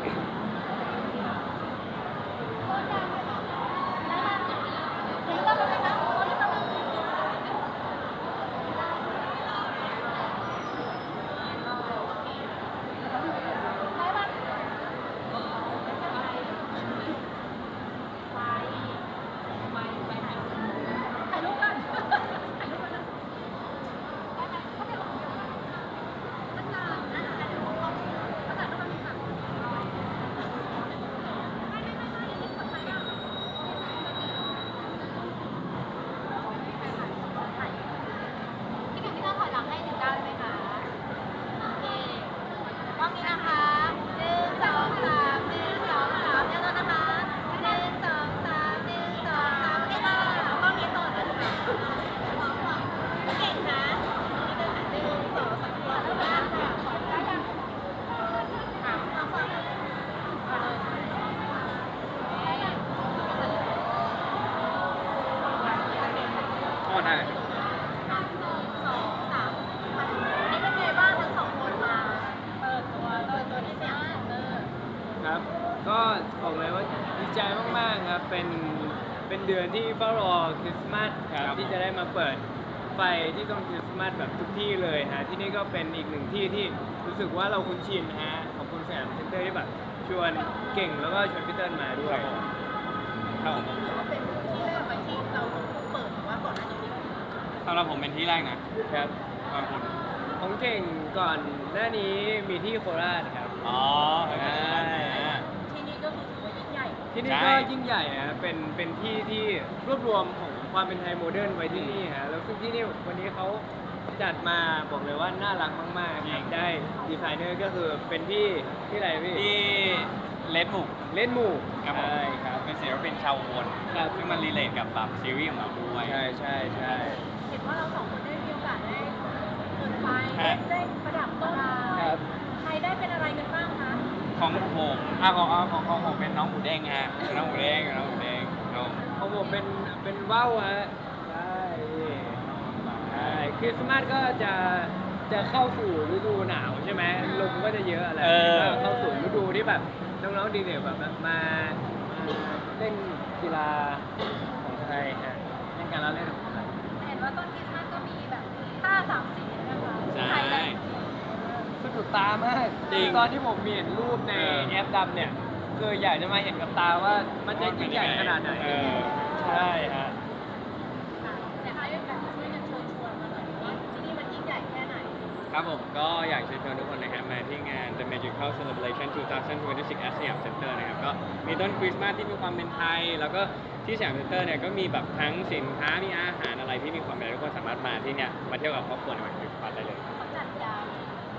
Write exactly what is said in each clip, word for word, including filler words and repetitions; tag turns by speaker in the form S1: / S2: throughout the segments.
S1: หมดอะไรครับก็บอกเลยว่าดีใจมากๆครับเป็นเป็นเดือนที่เฝ้ารอคริสต์มาสครับที่จะได้มาเปิดไฟที่ต้นคริสต์มาสแบบทุกที่เลยฮะที่นี่ก็เป็นอีกหนึ่งที่ที่รู้สึกว่าเราคุ้นชินฮะขอบคุณสยามเซ็นเตอร์ที่แบบชวนเก่งแล้วก็ชวนพี่เติ้ลมาด้วยครับผม
S2: สำหรับผมเป็นที่แรกนะครับขอบคุณ
S1: ของเก่งก่อนหน้านี้มีที่โคราชครับ
S2: อ๋อใช่
S3: ที่นี่ก็คือถือว่ายิ่งใหญ่
S1: ที่นี่ก็ยิ่งใหญ่ฮะเป็นเป็นที่ที่รวบรวมของความเป็นไทยโมเดิร์นไว้ที่นี่ฮะแล้วซึ่งที่นี่วันนี้เขาจัดมาบอกเลยว่าน่ารักมากๆครับได้ดีไซเนอร์ก็คือเป็นพี่ที่อะไรพี่
S2: ที่เลดบุก
S1: เล่นหมู่
S2: ครับผม
S1: ใช่ครับ
S2: เป็นศิลปินชาวอุบล
S1: ครับ
S2: ซึ่งมันรีเลทกับแบบซีรีส์ของเราด้วย
S1: ใช่ใช่ใช่
S3: เห็นว่าเราสองคนได้มีโอกาสได้เดินไป
S2: ฮะ
S3: ได้ประดับต้นไม้
S1: ครับ
S3: ใครได้เป็นอะไรกันบ้างคะ
S2: ของผมอ่ะของของของของผมเป็นน้องหมูเด้งฮะเป็นน้องหมูเด้งน้องหมูเด้งน้อง
S1: ของผมเป็นเป็นว่าวฮะใช่ใช่คริสต์มาสก็จะจะเข้าสู่ฤดูหนาวใช่ไหมลมก็จะเยอะอะไรก็เข้าสู่ฤดูที่แบบน้องๆดีเด่แบบมามาเล่นกีฬาของไทยฮะเล่นการละเล่นของไทย
S3: เห็นว่าต้นคริสต์มาสก็มีแบบผ้าสามสีนะคะ
S2: ใช่
S3: ใครได้
S1: สะดุดตามาก
S2: จริง
S1: ตอนที่ผมเห็นรูปใน
S2: เออ
S1: แอปดำเนี่ยคืออยากจะมาเห็นกับตาว่ามันจะยิ่งใหญ่ขนาดไหน
S2: เออ
S1: ใช่ฮะ
S3: แต่ให้แบบช่วยกันเชิญชวนมาหน่อยว่าที่นี่มันยิ่งใหญ่แค่ไหน
S2: ครับผมก็อยากเชิญชวนทุกคนนะครับมาที่งาน The Magical Celebration สองพันยี่สิบหก at สยามเซ็นเตอร์นะครับก็มีต้นคริสต์มาสที่มีความเป็นไทย แล้วก็ที่สยามเซ็นเตอร์เนี่ยก็มีแบบทั้งสินค้ามีอาหารอะไรที่มีความเป็นไทยทุกคนสามารถมาที่เนี่ยมาเที่ยวกับครอบครัวในวันคริสต์มาสได้เลย
S3: เขาจัดยาว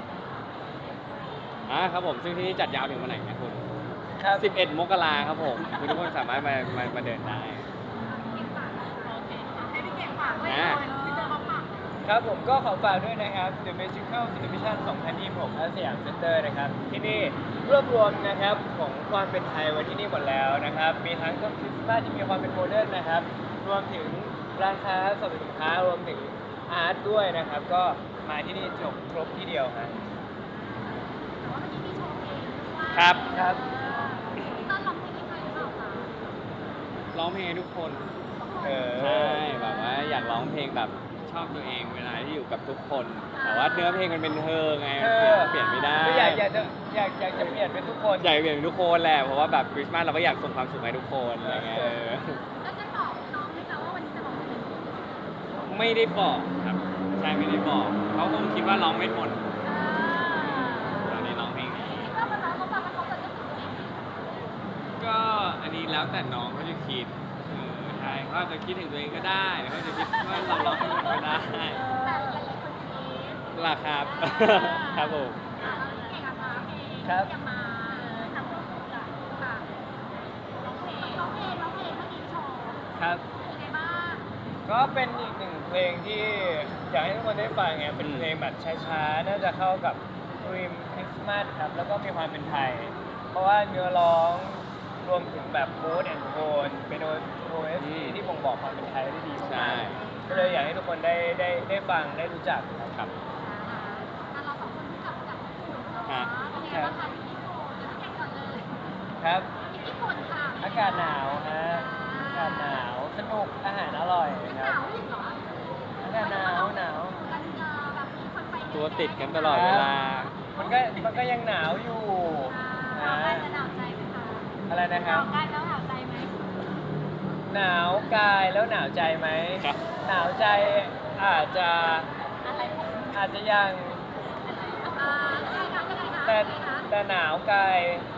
S2: อ่าครับผมซึ่งที่นี่จัดยาวถึงวันไหนนะคุณ
S1: ครับ
S2: สิบเอ็ดมกราครับผมคือทุกคนสามารถมามามาเดินได้
S3: โอเคให้พี่เก่งฝากไว้ห
S2: อ่า
S3: น่อยพี่เตอร์เขาฝาก
S1: ครับผมก็ขอฝากด้วยนะครับ The Magical Celebration สองพันยี่สิบหก ณ สยามเซ็นเตอร์นะครับ ที่นี่รวบรวมนะครับของความเป็นไทยไว้ที่นี่หมดแล้วนะครับ มีทั้งต้นคริสต์มาสที่มีความเป็นโมเดิร์นนะครับ รวมถึงร้านค้าสรรพสินค้ารวมถึงอาร์ตด้วยนะครับ ก็มาที่นี่จบครบที่เดียวครับ
S3: แต่ว่าเมื่อกี้มีโชว์เพลงด้วย
S2: ครับ
S1: ครับ
S3: ต้นร้องเพลงให้ใครหรือเปล่าคะ
S2: ร้องเพลงให้ทุกคน
S1: เออ
S2: ใช่แบบว่าอยากร้องเพลงแบบชอบตัวเองเวลาที่อยู่กับทุกคน แต่ว่าเนื้อเพลงมันเป็นเธอไง
S1: เอ
S2: เปลี่ยนไม่ได้
S1: ก็อยากอยากจะอยากอยากจะเปลี่ยนเป็นทุกคน
S2: อยากเปลี่ยนเป็นทุกคนแหละเพราะว่าแบบคริสต์มาสเราก็อยากส่งความสุขให้ทุกคนอะไรเงี้ยเออ
S3: แล้วจะบอกน้องไหมคะว่าวันนี้จะร้องเพลง
S2: ไม่ได้บอกครับใช่ไม่ได้บอกเขาคงคิดว่าร้องไม่ทนตอนนี้ร้องเพลงนี้
S3: ถ้ามันน้องเขาฟังแล้วเขาจะนึกถึงเพลง
S2: ก็อันนี้แล้วแต่น้องเขาจะคิดเออใช่เขาอาจจะคิดถึงตัวเองก็ได้หรือเขาจะคิดว่าเราร้องเพลงก็ได้
S3: แต่หลายๆคนคิด
S2: ล่ะครับ ครับผม
S3: อ่าแล้วเก่งอะคะเพลง
S1: ครับ
S3: จะมาทำร่วมกับค่ะร้องเพลงร้องเพลงร้องเพลงเมื่อกี้โชว์
S1: ครับ
S3: เป็นไงบ้าง
S1: ก็เป็นอีกหนึ่งเพลงที่อยากให้ทุกคนได้ฟังไงเป็นเพลงแบบช้าๆ น่าจะเข้ากับธีมคริสต์มาสครับ แล้วก็มีความเป็นไทย เพราะว่าเนื้อร้องรวมถึงแบบโค้ดแอนด์โทนเป็นโอเอสที่บ่งบอกความเป็นไทยได้ดี
S2: ใช่
S1: มากๆก็เลยอยากให้ทุกคนได้ได้ได้ฟังได้รู้จักครับ
S3: อ่าเราสองคนที่กลับจากญี่ปุ่นเนาะ
S2: ฮะ
S3: เป็นไงบ้างคะที่ญี่ปุ่นจะเก่งก่อนเลย
S1: ครับ
S3: ญี่ปุ่นค่ะ
S1: อากาศหนาวฮะอากาศหนาวสนุกอาหารอร่อย
S3: ห
S1: ครั
S3: นา
S1: บ
S3: วอีกเหรอ
S1: อากาศหนาวหนาว
S3: กันเจอแบบมีคนไปเยอะ
S2: ตัวติดกันตลอดเวลา
S1: มันก็มันก็ยังหนาวอยู่
S3: หนาว
S1: นะ
S3: กายจะหนาวใจไหมคะ
S1: อะไรนะ
S3: ห
S1: ครั
S3: นา
S1: บ
S3: วกายแล้วหนาวใจไหม
S1: หนาวกายแล้วหนาวใจไหม
S2: ครับ
S1: หนาวใจอาจจะ
S3: อะไรคะ
S1: อาจจะยัง
S3: อ่ายังไงคะยังไงคะ
S1: แต่
S3: ยังไงคะ
S1: แต่หนาวกาย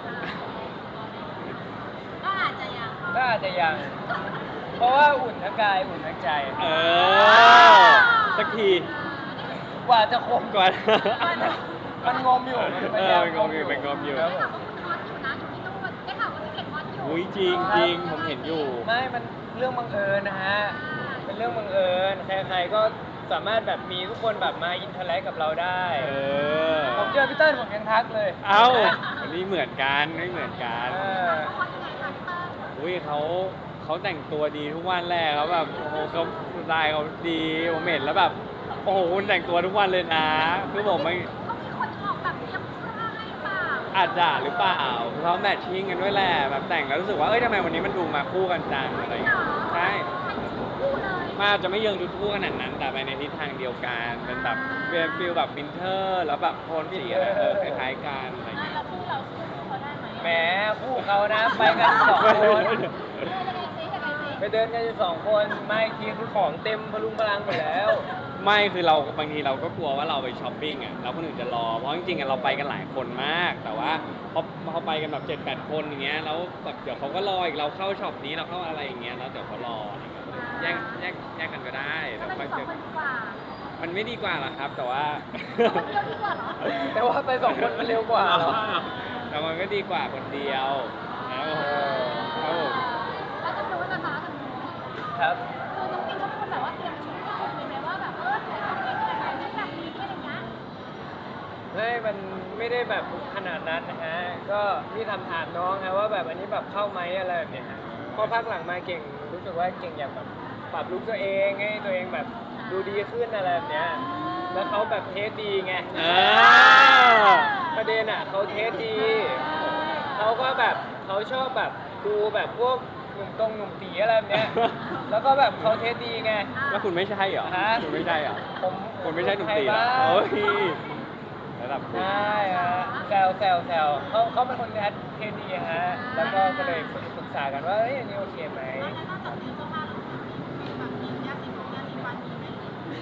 S3: ก็อาจจะยัง
S1: ก็อาจจะยัง เพราะว่าอุ่นทั้งกายอุ่นทั้งใจ
S2: เออ สักที
S1: กว่าจะคม
S2: ก่อน
S1: มันงมอยู่มันพ
S2: เอย
S1: ายา
S2: อ
S1: ม
S2: มันงมอยู่มันงมอยู่
S1: ครับ
S3: ได้
S1: ผ
S3: ข่าว
S1: ม
S3: ว่าคุณฮอตอยู่นะอยู่ที่นู่นได้ข่าวว่าพี่เก่งฮอตอยู่
S2: อุ้ยจริงจริงผมเห็นอยู่
S1: ไม่ มันเรื่องบังเอิญนะฮะ เป็นเรื่องบังเอิญ ใครๆ ก็สามารถแบบมีทุกคนแบบมาอินเทอร์แลกกับเราได้
S2: เออ
S1: ผมเจอพี่เติ้ลผมยังทักเลย
S2: เอ้าอันนี้เหมือนกันไม่เหมือนกัน
S1: เออ
S3: ฮอตยังไงคะพี่เติ้ล
S2: อุ้ยเขาเขาแต่งตัวดีทุกวันแรกเขาแบบโอ้โหเขาสไตล์เขาดีผมเห็นแล้วแบบโอ้โหคุณแต่งตัวทุกวันเลยนะคือผมไม่
S3: เขามีคนออกแบบเตรียมเสื้อให้หรือเปล่า
S2: อาจจะหรือเปล่าคือเขาแมทชิ่งกันด้วยแหละแบบแต่งแล้วรู้สึกว่าเอ้ยทำไมวันนี้มันดูมาคู่กันจังอะไรอย่างเงี้ยใช่
S3: คู่เลย
S2: มันอาจจะไม่เยิงทุกคู่ขนาดนั้นแต่ไปในทิศทางเดียวกันเป็นแบบเป็นฟิลแบบวินเทอร์แล้วแบบโทนสีอะไรเออคล้ายๆกันอะไรอย่างเงี้ย
S3: แล้วคู่เราสู้เขาได้ไหม
S1: แหมคู่เขานะ ไปกันสองคน
S3: ยังไงซิยังไงซิ
S1: ไปเดินกันอยู่สองคนไม่ทีคือของเต็มพลุงพลังหมดแล้ว
S2: ไม่คือเราบางทีเราก็กลัวว่าเราไปช้อปปิ้งอ่ะแล้วคนอื่นจะรอเพราะจริงๆอะเราไปกันหลายคนมาก แต่ว่าพอพอไปกันแบบเจ็ดแปดคนอย่างเงี้ยแล้วแบบเดี๋ยวเขาก็รออีกเราเข้าช็อปนี้เราเข้าอะไรอย่างเงี้ยแล้วเดี๋ยวเขารออะไรเงี้ยแยกแยกแยกกันก็ได้
S3: แล้
S2: เดี๋
S3: ว
S2: ยว
S3: มัน
S2: ค่อย
S3: สอ
S2: เจอ
S3: งคนดีกว่าเหรอ
S2: มันไม่ดีกว่าหรอครับ แต่ว่า
S3: คนเดียวดีกว่าเหรอ
S1: แต่ว่าไปสองคนมันเร็วกว่าเหรอ
S2: แต่มันก็ดีกว่าคนเดียวนะครับผมครับผม
S3: แล้วจะรู้นะคะทางนู้น
S1: ครับ
S3: คือน้องปิงก็เป็นคนแบบว่าเตรียมชุดให้ผมเลยไหมว่าแบบเออแต่ต้องเป็นอะไรแบบนี้แบบนี้อะไรอย่างเงี้ย
S1: ไม่มันไม่ได้แบบขนาดนั้นนะฮะ ก็มีถามถามน้องครับว่าแบบอันนี้แบบเข้าไหมอะไรแบบเนี้ยฮะพอพักหลังมาเก่งรู้สึกว่าเก่งอยากแบบปรับลุคตัวเองให้ตัวเองแบบดูดีขึ้นอะไรแบบเนี้ย แล้วเขาแบบเทสดีไง
S2: อ่า
S1: ประเด็นอ่ะเขาเทสดี เขาก็แบบเขาชอบแบบดูแบบพวกหนุ่มตรงหนุ่มตีอะไรแบบเนี้ย แล้วก็แบบเขาเทสดีไง
S2: แล้วคุณไม่ใช่เหรอ
S1: ฮะ
S2: คุณไม่ใช่เหรอ
S1: ผม
S2: คุณไม่ใช่หนุ่มตีเหรอ
S1: ใครบ้าง
S2: โอ้ยระดับคุณ
S1: ใช่ฮะแซวแซวแซวเขาเขาเป็นคนเทสดีฮะ แล้วก็ก็เลยปรึกษากันว่าเอ้ยอันนี้โอเคไหม
S3: แล้วนอกจากนี้เสื้อผ้าเรามีแบบมียาสีฟันยาสีฟันมีไหม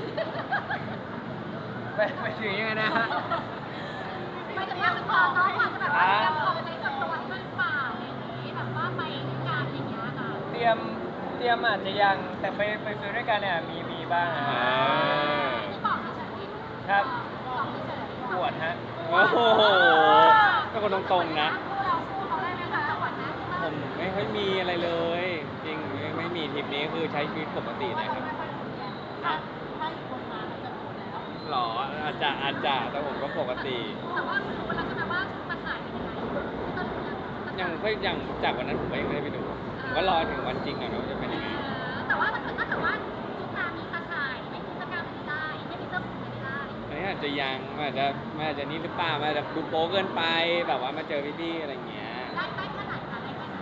S1: ไม่ไม่ถึงยังไงนะฮะ
S3: ไม่ถึงว่าพอน้องอาจจะแบบว่าเตรียมของในกับตัวด้วยหรือเปล่าอะไรอย่างนี้แบบว่าไปงานอย่างเงี้ยค่ะ
S1: เตรียมเตรียมอาจจะยังแต่ไปไปซื้อด้วยกันเนี่ยมีมีบ้างฮะ
S2: อ่า
S3: ที่บอกเฉยๆ
S1: ครับ
S3: บอกเฉยๆ
S1: ปวดฮะ
S2: โอ้โหเป็นคนตรงๆนะ
S3: คู่เราสู้เขาได้ไหมคะจังหวัดนะ
S2: ผมไม่ค่อยมีอะไรเลย จริงไม่ไม่มีทริปนี้คือใช้ชีวิตปกตินะครับ
S3: ถ้าถ้าอยู่คนมาเราจะรู้แล้ว
S2: หรออาจจะอาจจะแต่ผมก็ปกติ
S3: แต่ว่ารู้แล้วใช่ไหมว่าชุดมาถ่ายเป็นยังไงต้นเนี่ย
S2: ยังค่อยยังจากวันนั้นผมก็ยังไม่ได้ไปดู ผมก็รอถึงวันจริงก่อนว่าจะเป็นยังไง
S3: แต่ว่าถ้าเกิดถ้าเกิดว่าชุดนามีตาข่ายไม่มีเสื้อกล้ามไม่ได้ไม่มีเสื้อผูกไม่ได้
S2: อันนี้อาจจะยังมันอาจจะมันอาจจะนี่หรือเปล่ามันอาจจะดูโป๊เกินไปแบบว่ามาเจอพี่ๆอะไรอย่างเงี้ย
S3: ได้ได้ขนาดนั้นได้ขนาดนั้น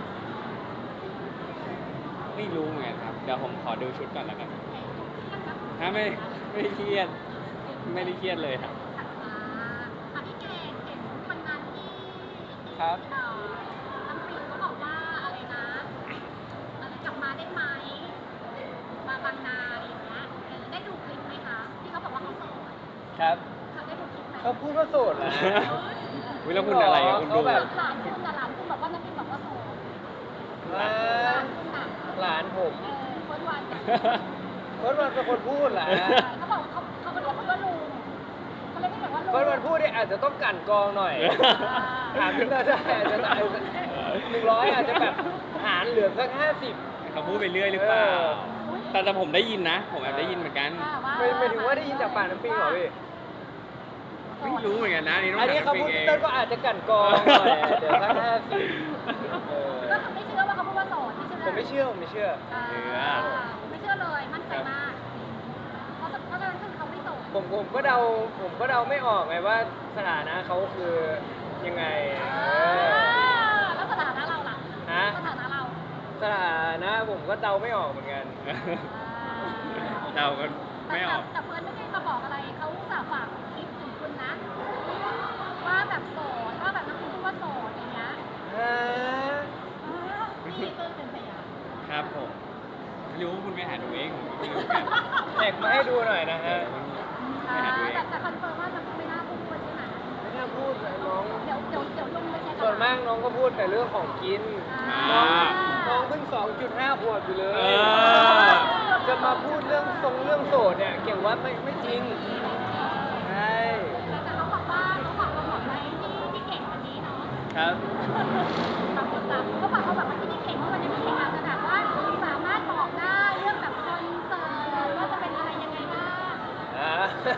S2: ไม่รู้เหมือนกันครับ เดี๋ยวผมขอดูชุดก่อนแล้วกัน ถ้าไม่ไม่ได้เครียด ไม่ได้เครียดเลยครับ
S3: ถัดมาค่ะพี่เก่งเห็นวันนั้นที่
S1: ครับ
S3: เอ่อน้ำปรีเขาบอกว่าอะไรนะอะไรกลับมาได้ไหมมาบางนาอะไรอย่างเงี้ยเออได้ดูคลิปไหมคะที่เขาบอกว่าเขาโสด
S1: ครับ
S3: เขาได้ดูคลิปไหม
S1: เขาพูดว่าโสดเหรอฮะ
S2: วิแล้วคุณอะไรอะคุณดู
S1: เขาแบบ
S3: หลานคุณกับหลานคุณบอกว่าน้ำปรีบอกว่าโสด
S1: อ่า
S3: หลานคุณน่ะ
S1: หลานผม
S3: เออคนวัน
S1: เฟิร์สวันเป็นคนพูดเหรอฮะ
S3: เขาบอกเขาเขาก็เรียกคุณว่าลุงเขาเลยไม่แบบว่าลุง
S1: เฟิร์สวันพูดเนี่ยอาจจะต้องกลั่นกรองหน่อย ถามพี่เตอร์ได้อาจจะได้หนึ่งร้อยอาจจะแบบหารเหลือสักห้าสิบ
S2: เขาพูดไปเรื่อยหรือเปล่า
S1: เออ
S2: แต่แต่ผมได้ยินนะ ผมแอบได้ยินเหมือนกัน
S1: ไม่ไม่ถึงว่าได้ยินจากปากน้ำปิงเหรอพี่
S2: ไม่รู้เหมือนกันนะนี่ต้อง
S1: อันนี้
S2: ถาม
S1: เขา
S2: น้ำปิ
S1: พู
S2: ง
S1: ด
S2: เอ
S1: พี่
S2: ง
S1: เตอร์ก็อาจจะกลั่นกรองหน่อยเดี๋ยวสักห้าสิบเออ
S3: ก็คือไม่เชื่อว่าเขาพูดว่าโสดไม่เชื่อ
S1: ผมไม่เชื่อผมไม่เชื่อ
S3: อ่าไม่เชื่อเลยมั่นใจมากเพราะเพราะฉะนั้นคือเขาไม่โสด
S1: ผมผมก็เดาผมก็เดาไม่ออกไงว่าสถานะเขาคือยังไงเออ
S3: แล้วสถานะเรา
S1: ก็เดาไม่ออกเหมือนกัน
S2: เดากันไม่ออก
S3: แต่เพื่อนไม่ได้มาบอกอะไรเขาอุตส่าห์ฝากคลิปถึงคุณนะว่าแบบโสดว่าแบบน้องคุณพูดว่าโสดอย่างเงี้ย
S1: ฮะ
S3: พี่เพิ่งเป็นพยาน
S2: ครับผมไม่รู้คุณไปหาดูเองผมก็ไม่รู้เหมือนกัน
S1: แท็กมาให้ดูหน่อยนะฮะ
S2: ไปหาดูเอง
S3: แต่แต่คอนเฟิร์มว่ามันไม่น่าพูดใช่ไหม
S1: ไม่น่าพูดเลยน้อง
S3: เดี๋ยวเดี๋ยวเดี๋ยวลงไปแชร์
S1: ส่วนมากน้องก็พูดแต่เรื่องของกิน
S2: อ่า
S1: น้องน้องเพิ่ง สองจุดห้า ขวบอยู่เลย
S2: เออ
S1: จะมาพูดเรื่องทรงเรื่องโสดเนี่ย เก่งว่าไม่ไม่จริง ใช่
S3: แต่เขาบอกว่าเขาบอกเราบอกไว้ที่ที่เก่งวันนี้เนาะ
S1: ครับ
S3: บางคนแบบเขาบอกเขาแบบว่าที่นี่เก่งเพราะวันนี้พี่เก่งอาจจะแบบว่าสามารถบอกได้เรื่องแบบคอนเสิร์ตว่าจะเป็นอะไรยังไงบ้าง
S1: อ่า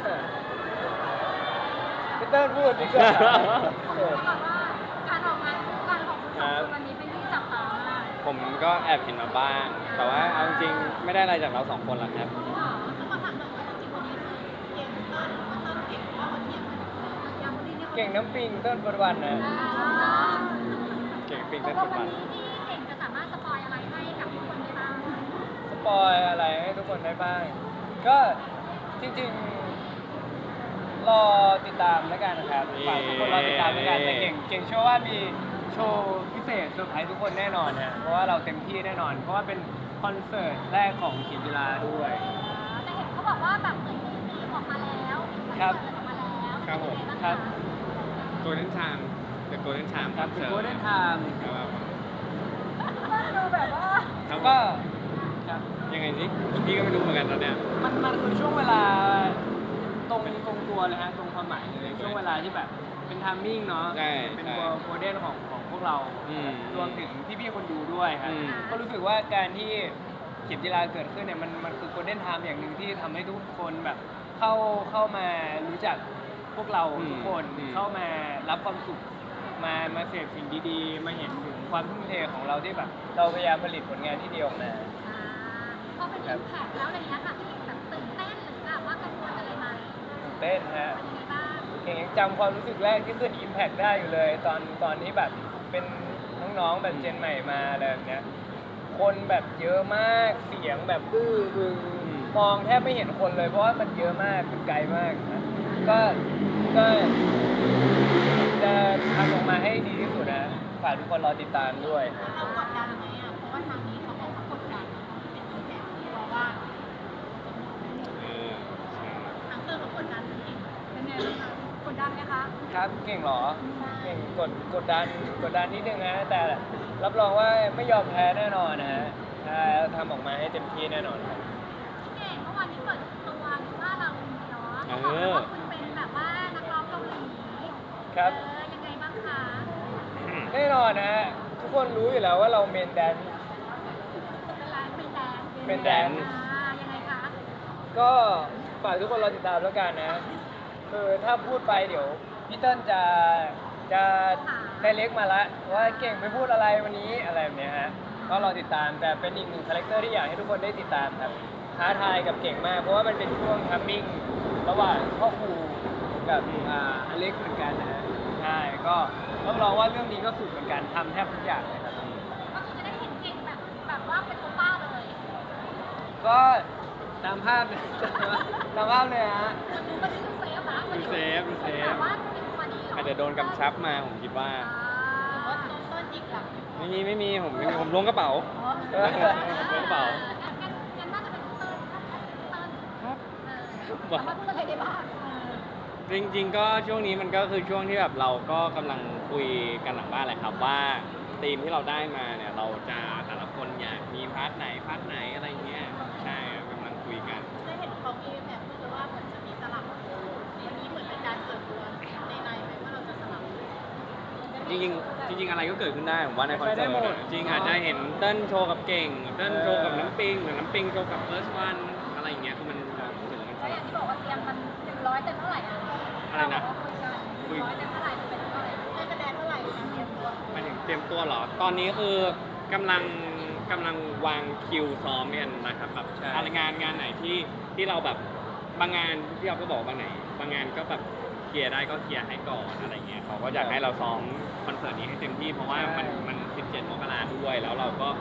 S1: พี่เติ้ลพูดดีกว่า
S3: เขาบอกว่าการออกงานคู่กันของคุณสองคนวันนี้เป็นที่จับตามาก
S2: ผมก็แอบเห็นมาบ้าง แต่ว่าเอาจริงๆไม่ได้อะไรจากเราสองคนหรอกครับ
S3: แล้วมาถามหน่อยว่าจริงๆวันนี้คือเก่งเติ้ลเติ้ลเก่งว่าวันเทียบกันยังวันนี้เนี่ย
S1: เก่งน้ำปิงเติ้ลปัจจุบันนะ
S2: เก่งปิง
S3: ต
S2: เต้
S3: ก
S2: น
S3: ล
S2: ปั
S3: ง
S2: จจุ
S3: วั
S2: บั
S3: น
S2: น
S3: นี้ที่เก่งจะสามารถสปอยอะไรให้กับทุกคนได้บ้าง
S1: สปอยอะไรให้ทุกคนได้บ้าง ก็จริงๆ รอติดตามแล้วกันนะครับฝากทุกคนรอติดตามแล้วกันแต่เก่งเก่งเชื่อว่ามีโชว์พิเศษเซอร์ไพรส์ทุกคนแน่นอนฮะเพราะว่าเราเต็มที่แน่นอน เพราะว่าเป็นคอนเสิร์ตแรกของเขียนกีฬาด้วย
S3: แต่เห็นเขาบอกว่าแบบเหมือนมีมีออกมาแล้ว
S1: ครับ
S3: เปิดออกมาแล้ว
S2: ครับผม
S3: เป็นยังไงางะ
S1: ครับ
S2: โกลเด้นชามเดอะโกลเด้นชาม
S1: ครับเป็นโกลเด้นไทม์
S2: ครับ
S3: ดูแบบว่า
S2: ครับ
S1: ก็ครับ
S2: ยังไงสิพี่ก็ไม่รู้เหมือนกันตอนเนี้ย
S1: มันมันคือช่วงเวลาตรงตรงตัวเลยฮะตรงความหมายเลยช่วงเวลาที่แบบเป็นไทามมิ่งเนาะ
S2: ใช่
S1: เป็น
S2: ใช่
S1: โกลเด้นของของพวกเรา
S2: อืม
S1: รวมถึงพี่ๆคนดูด้วยครับ
S2: อืม
S1: ก็รู้สึกว่าการที่เขียนกีฬาเกิดขึ้นเนี่ยมันมันคือโกลเด้นไทม์อย่างหนึ่งที่ทำให้ทุกคนแบบเข้าเข้ามารู้จักพวกเราทุกคนเข้ามารับความสุขมามาเสพสิ่งดีๆ มาเห็นถึงความทุ่มเทของเราที่แบบเราพยายามผลิตผลงานที่ดีออกมา
S3: อ่าพอเป็นอิมแพคแล้วอะไรเงี้ยค่ะพี่แบบตื่นเต้นหรือแบบว่ากังวลอะไรไหม
S1: ตื่นเต้นฮะ
S3: เป็นยังไงบ้าง
S1: เก่งยังจำความรู้สึกแรกที่ขึ้น Impact ได้อยู่เลย ตอนตอนที่แบบเป็นน้องๆแบบเจนใหม่มาอะไรแบบเนี้ยคนแบบเยอะมากเสียงแบบอื้ออึงมองแทบไม่เห็นคนเลยเพราะว่ามันเยอะมากมันไกลมากนะก็ก็จะทำออกมาให้ดีที่สุดนะฝากทุกคนรอติดตามด้วย
S3: เรากดดันไหมอ่ะเพราะว่าทางนี้เขาบอกว่ากดดันเป็นอิมแพคเพราะว่า
S2: เออใช่
S3: ทางเตอร์เขากดดันนี่เป็นไงบ้างคะกดดันไหมคะ
S1: ครับเก่งเหรอ เก่งกดกดดันกดดันนิดนึงนะแต่รับรองว่าไม่ยอมแพ้แน่นอนนะฮะใช่แล้วทำออกมาให้เต็มที่แน่นอนครับ
S3: พี่เก่งเมื่อวานนี้เปิดตัวว่าเราเนาะเขาบอกเลยว่าคุณเป็นแบบว่านักร้องเกาหลี
S1: ครับ
S3: เออยังไงบ้างคะ
S1: แน่นอนนะฮะทุกคนรู้อยู่แล้วว่าเราเมนแดน
S3: เป็นร้านเป็นแดน
S1: เป็นแดน
S3: อ่ายังไงคะ
S1: ก็ฝากทุกคนรอติดตามแล้วกันนะคือถ้าพูดไปเดี๋ยวพี่เติ้ลจะจะได้เล็กมาละว่าเก่งไปพูดอะไรวันนี้อะไรแบบเนี้ยฮะก็รอติดตามแต่เป็นอีกหนึ่งคาแรคเตอร์ที่อยากให้ทุกคนได้ติดตามครับท้าทายกับเก่งมาก เพราะว่ามันเป็นช่วงทัมมิ่งระหว่างพ่อครูกับอ่าอเล็กเหมือนกันนะฮะใช่ก็ต้องรองว่าเรื่องนี้ก็สุดเหมือนกันทำแทบทุกอย่างเลยครับ
S3: ก็คือจะได้เห็นเก่งแบบแบบว่าเป็นโอป้าเลย
S1: ก็ตามภาพเลย ตามภาพเลยฮะ
S3: มันดูเซฟนะ
S2: ดูเซฟดูเซฟ
S3: แต่ว่าเป็นตัวนี้เหรอ
S2: อาจจะโดนกำชับมาผมคิดว่า
S3: อ่าหรือว่าโดนต้นยิกหลัง
S2: ไม่มีไม่มีผมไม่มีผมล้วงกระเป๋า
S3: เออ
S2: ล้วงกระเป๋า
S3: งั้นงั้นงั้นน่าจะเป็นเติ้ลเติ้ล
S2: ครับ
S3: เออสามารถพูดอะไรได้บ้างเออ
S2: จริงๆก็ช่วงนี้มันก็คือช่วงที่แบบเราก็กำลังคุยกันหลังบ้านแหละครับว่าธีมที่เราได้มาเนี่ยเราจะแต่ละคนอยากมีพาร์ทไหนพาร์ทไหนอะไรเงี้ยใช่ครับกำลังคุยกัน
S3: ได้เห็นเขามีแบบพูดเลยว่าเหมือนจะมีสลับวันนี้เหมือนเป็นการเปิดตัวในในไหมว่าเราจะสลับ
S2: จริงๆจริง ๆ อะไรก็เกิดขึ้นได้ผมว่าในคอน
S1: ไป
S2: เสิ
S1: ได้
S2: ร์
S1: หม
S2: ต
S1: ด
S2: อะจริงอาจจะเห็นเต้นโชว์กับเก่งเต้นโชว์กับน้ำปิงหรือน้ำปิงโชว์กับเฟิร์สวันอะไรอย่างเงี้ยคือมันถึงมันส
S3: แล้วอ
S2: ลั
S3: ย่า
S2: บ
S3: งที่บอกว่าเตรียมมันหนึ่งร้อยเต็มเท่าไหร่อ่ะ
S2: อะไรนะ
S3: หนึ่งร้อยเต็มเท่าไหร่เป็นเท่าไหร่ให้คะแนนเท่าไหร่คะเตรียมตัว
S2: หมายถึงเตรียมตัวเหรอ ตอนนี้คือกำลังกำลังวางคิวซ้อมกันนะครับแบบ
S1: ใช่
S2: อะไรงานงานไหนที่ที่เราแบบบางงานที่เราก็บอกบางไหน บางงานก็แบบเคลียร์ได้ก็เคลียร์ให้ก่อนอะไรเงี้ยเขาก็อยากให้เราซ้อมคอนเสิร์ตนี้ให้เต็มที่เพราะว่ามันมันสิบเจ็ดมกราด้วยแล้วเราก็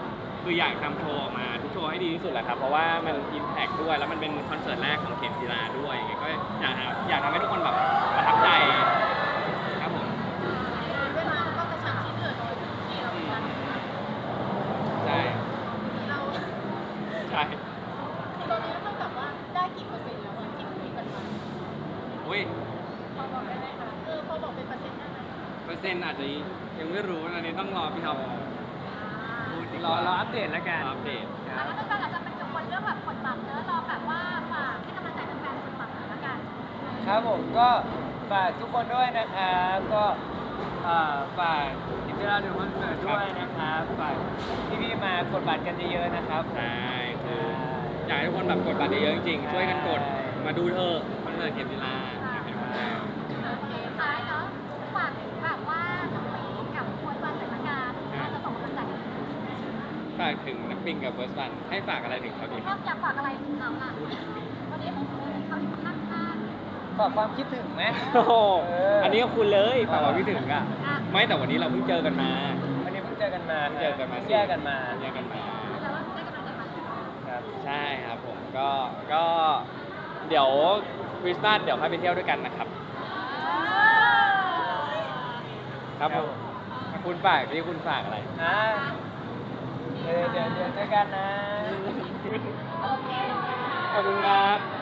S2: คืออยากทำโชว์ออกมาทุกโชว์ให้ดีที่สุดแหละครับ เพราะว่ามันอิมแพกด้วย แล้วมันเป็นคอนเสิร์ตแรกของเข็มกีฬาด้วยอย่างเงี้ยก็อยากทำอยากทำให้ทุกคนแบบประทับใจครับผม
S3: เวลาก็กระชับชิ้นเหลือน้อยทุกทีเราเหมือนกัน
S2: ใช่
S3: เรา
S2: ใช่
S3: คือตอนนี้เท่ากับว่าได้กี่เปอร์เซ็นต์แล้วอะที่คุยกันมา
S2: อุ้ย
S3: พอบอกได้ไหมคะเออพอบอกเป็นเปอร์เซ็นต์ได้ไหม
S2: เปอร์เซ็นต์อาจจะยังไม่รู้อันนี้ต้องรอพี่ท็อปพูดดีก
S1: รอ
S2: ว่าร
S1: ออัปเดตแล้วกัน
S2: รออัปเดต
S1: ค
S3: อ่ะ
S1: รับ
S3: แล้วก็อาจจะเป็นกังวลเรื่องแบบกดบัตรเนอะรอแบบว่าฝากให้กำลังใจแฟนๆกดบัตรหน่อยละกัน
S1: ครับผมก็ฝากทุกคนด้วยนะครับก็เอ่อฝากอินเตอร์ดูคอนเสิร์ตด้วยนะครับฝากพี่ๆมากดบัตรกันเยอะๆนะครับผม
S2: ใช่คืออยากให้ทุกคนแบบกดบัตรเยอะๆจริงๆ ช่วยกันกด มาดูเถอะคอนเสิร์ตเข็มกีฬาอยากให้ทุกคนได้
S3: โอเคท้ายเนาะฝากถึงแบบว่าน้องปีกับควยวันหน่อยละกันว่าจะส่งกำลังใจให้
S2: ฝากถึงนักปิงกับเฟิร์สวันให้ฝากอะไรถึงเขาดี
S3: ชอบอยากฝากอะไรถึงเขาล่ะวันนี้เขาอยู่ข้าง
S1: ฝากความคิดถึงไหม
S2: โอ้โห
S1: เอออั
S2: อันนี้ก็คุณเลยฝากความคิดถึงอะ
S3: ๆอ่ะ
S2: ไม่แต่วันนี้เราเพิ่งเจอกันมา
S1: วันนี้เพิ่งเจอกันมา
S2: เพิ่งเจอกันมา
S1: แยกกันมา
S2: แยกกันมา
S3: แต่ว่าได้กำลังใจมา
S1: ครับ
S2: ใช่ครับผมก็ก็เดี๋ยวคริสต์มาสเดี๋ยวค่อยไปเที่ยวด้วยกันนะครับ ครับผมคุณฝากที่คุณฝากอะไร
S1: นะเดี๋ยวเดี๋ยวเดี๋ยวเจอกันนะ
S3: โอเค
S2: ขอบคุณครับ